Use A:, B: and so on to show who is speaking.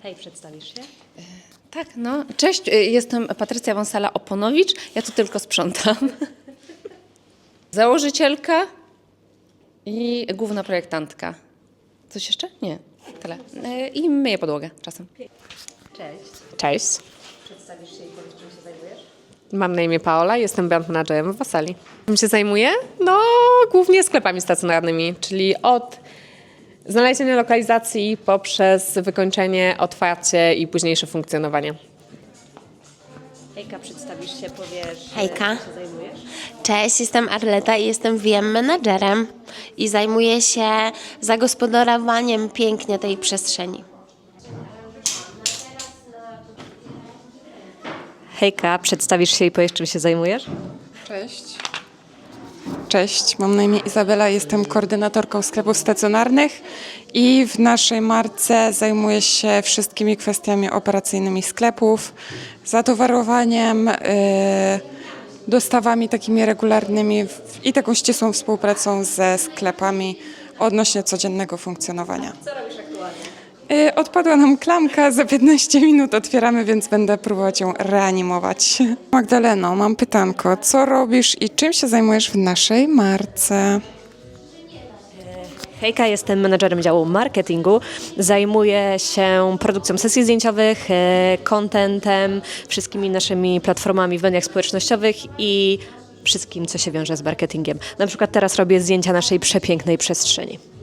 A: Hej, przedstawisz się?
B: Tak, no. Cześć, jestem Patrycja Wąsala-Oponowicz. Ja tu tylko sprzątam. Założycielka i główna projektantka. Coś jeszcze? Nie, tyle. I myję podłogę czasem.
A: Cześć.
C: Cześć,
A: Przedstawisz się i powiesz, czym się zajmujesz?
C: mam na imię Paola, jestem brand managerem w Wasali. Czym się zajmuję? No, głównie sklepami stacjonarnymi, czyli od znalezienia lokalizacji poprzez wykończenie, otwarcie i późniejsze funkcjonowanie.
A: Hejka, przedstawisz się, powiesz,
D: Hejka.
A: czym się zajmujesz?
D: Cześć, jestem Arleta i jestem VM menadżerem i zajmuję się zagospodarowaniem pięknie tej przestrzeni.
A: Hejka, przedstawisz się i powiesz, czym się zajmujesz?
E: Cześć. Cześć, mam na imię Izabela, jestem koordynatorką sklepów stacjonarnych i w naszej marce zajmuję się wszystkimi kwestiami operacyjnymi sklepów, zatowarowaniem, dostawami takimi regularnymi i taką ścisłą współpracą ze sklepami odnośnie codziennego funkcjonowania. Co robisz aktualnie? Odpadła nam klamka, za 15 minut otwieramy, więc będę próbować ją reanimować. Magdaleno, mam pytanko, co robisz i czym się zajmujesz w naszej marce?
A: Hejka, jestem menadżerem działu marketingu. Zajmuję się produkcją sesji zdjęciowych, contentem, wszystkimi naszymi platformami w mediach społecznościowych i wszystkim, co się wiąże z marketingiem. Na przykład teraz robię zdjęcia naszej przepięknej przestrzeni.